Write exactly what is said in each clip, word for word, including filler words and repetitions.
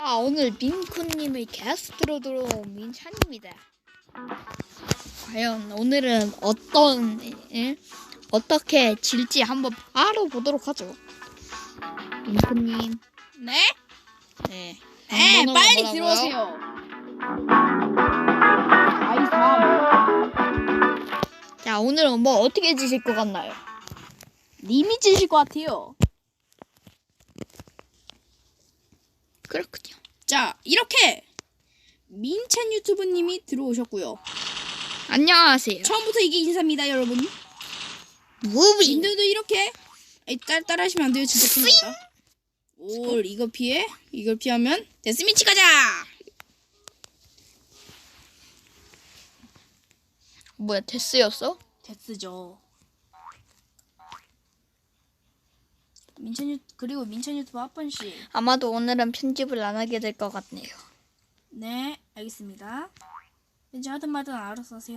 아, 오늘 민코님의 게스트로 들어온 민찬입니다. 과연 오늘은 어떤, 예? 어떻게 질지 한번 바로 보도록 하죠. 민코님. 네? 네. 네, 번호가 빨리 뭐라고요? 들어오세요. 아이삼. 자, 오늘은 뭐 어떻게 지실 것 같나요? 님이 지실 것 같아요. 그렇군요. 자, 이렇게 민찬 유튜브님이 들어오셨고요. 안녕하세요. 처음부터 이게 인사입니다, 여러분. 무비. 님들도 이렇게 에이, 따, 따라하시면 안 돼요, 진짜 큰일 났다. 오, 이거 피해? 이걸 피하면 데스미치 가자! 뭐야, 데스였어? 데스죠. 민찬 유 그리고 민찬 유튜브 합번 씨. 아마도 오늘은 편집을 안 하게 될 것 같네요. 네, 알겠습니다. 이제 하든 말든 알아서 하세요.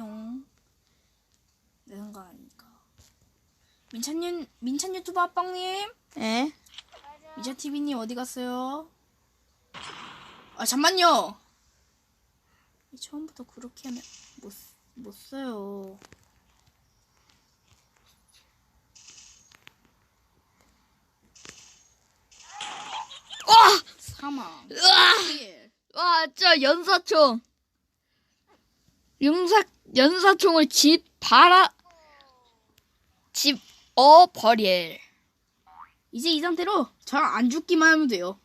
내 생각 아니니까. 민찬 유 민찬 유튜브 합방님, 예? 미자 티비님 어디 갔어요? 아 잠만요. 처음부터 그렇게 하면 못 못 써요. 와! 사망. 으아! 일. 와, 저 연사총. 연사, 연사총을 집, 바라, 집, 어, 버릴. 이제 이 상태로 저 안 죽기만 하면 돼요.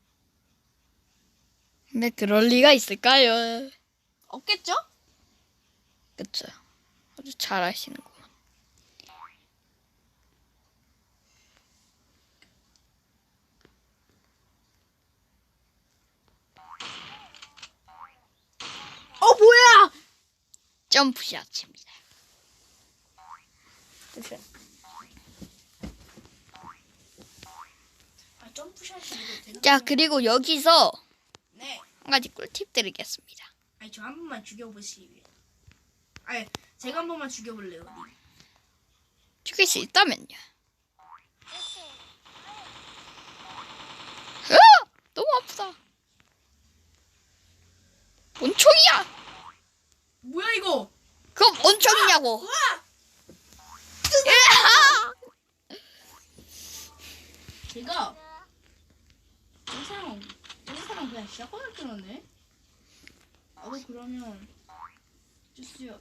근데 그럴 리가 있을까요? 없겠죠? 그쵸. 아주 잘 아시는구만. 어 뭐야? 점프샷입니다. 아 점프샷이 이거 되나? 자, 그리고 여기서 네. 한 가지 꿀팁 드리겠습니다. 아니 저 한 번만 죽여보시래요. 아니 제가 한 번만 죽여볼래요. 님. 죽일 수 있다면요. 으아! 너무 아프다. 뭔 총이야? 뭐야 이거? 그건 뭔 총이냐고. 우와! 으아! 제가 저 사람 저 사람 그냥 시작권을 끊었네. 나도 그러면 주스요.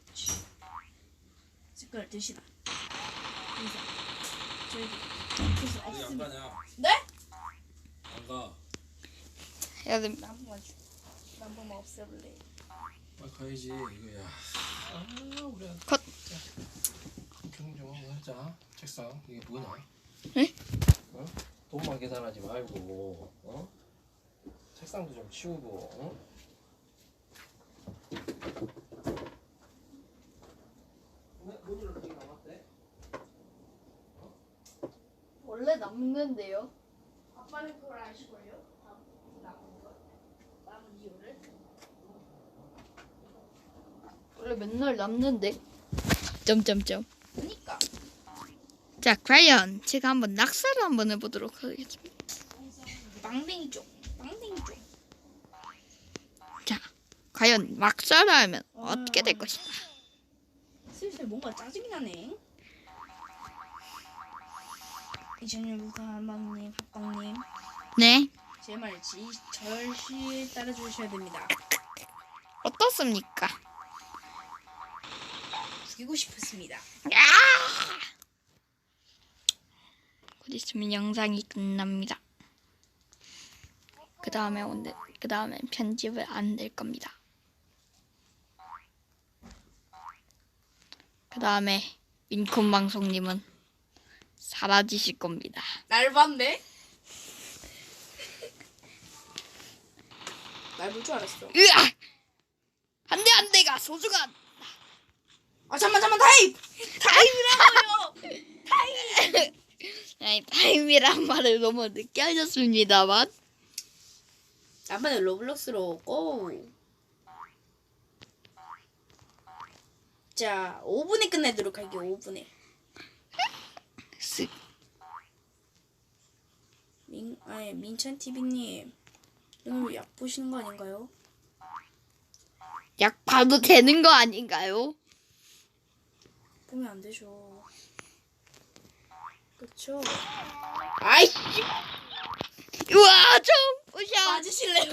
색깔 드시라. 인사. 저기 주스 어디 안 없습니다. 가냐? 네? 안 가. 해야 됩니다. 한 번만 주. 한 번만 없애볼래. 빨리 가야지 이거야. 아 우리 컷. 조용 좀 한번 하자. 책상 이게 뭐냐? 에? 어? 돈만 계산하지 말고 어? 책상도 좀 치우고 어? 왜 돈이 어떻게 남았대? 원래 남는데요. 아빠는 그걸 아시고요. 남은 거. 남은 이유를. 원래 맨날 남는데. 점점점. 그니까. 자, 과연 제가 한번 낙사를 한번 해보도록 하겠습니다. 빵댕이 쪽. 빵댕이 쪽. 자, 과연 막사를 하면 어떻게 될 것인가? 슬슬 뭔가 짜증이 나네. 이천년부터 한방님, 합방님, 네, 제 말 절실 따라주셔야 됩니다. 어떻습니까? 죽이고 싶었습니다. 곧 있으면 영상이 끝납니다. 그 다음에 오늘 그 다음엔 편집을 안 될 겁니다. 그 다음에 민콘 방송님은 사라지실 겁니다. 날 봤네? 날 볼 줄 알았어. 으아! 한 대 한 대가 소중한 아 잠만 잠만 타임! 타임이라고요! 타임! 아니, 타임이란 말을 너무 늦게 하셨습니다만. 남반에 로블록스로 고! 자, 오 분에 끝내도록 할게요. 오 분에. 쓱. 민, 아니 민찬 티비님 이건 약 보시는 거 아닌가요? 약 봐도 되는 거 아닌가요? 보면 안 되죠. 그쵸? 아이씨! 우와 점프샷 맞으실래요?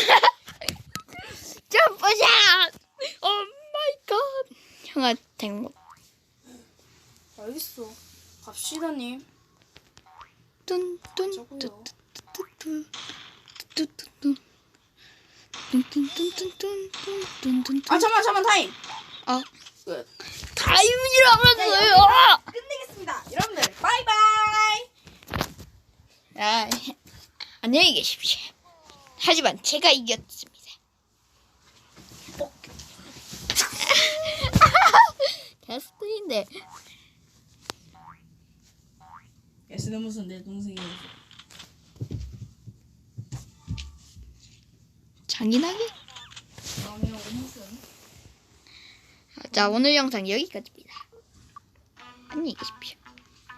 점프샷 오 마이 갓 형한테 뭐 알겠어. 갑시다님. 뚠뚠 저고요. 뚠뚠뚠뚠뚠뚠뚠뚠뚠뚠뚠뚠뚠 아 잠만 잠만 타임. 어 끝. 타임이라면서요. 끝내겠습니다. 여러분들 바이바이. 아, 안녕히 계십시오. 하지만 제가 이겼습니다. 어. 게스트인데 S는 무슨 내 동생이어서. 잔인하게. 그러면 무슨? 자 오늘 영상 여기까지입니다. 안녕히 계십시오.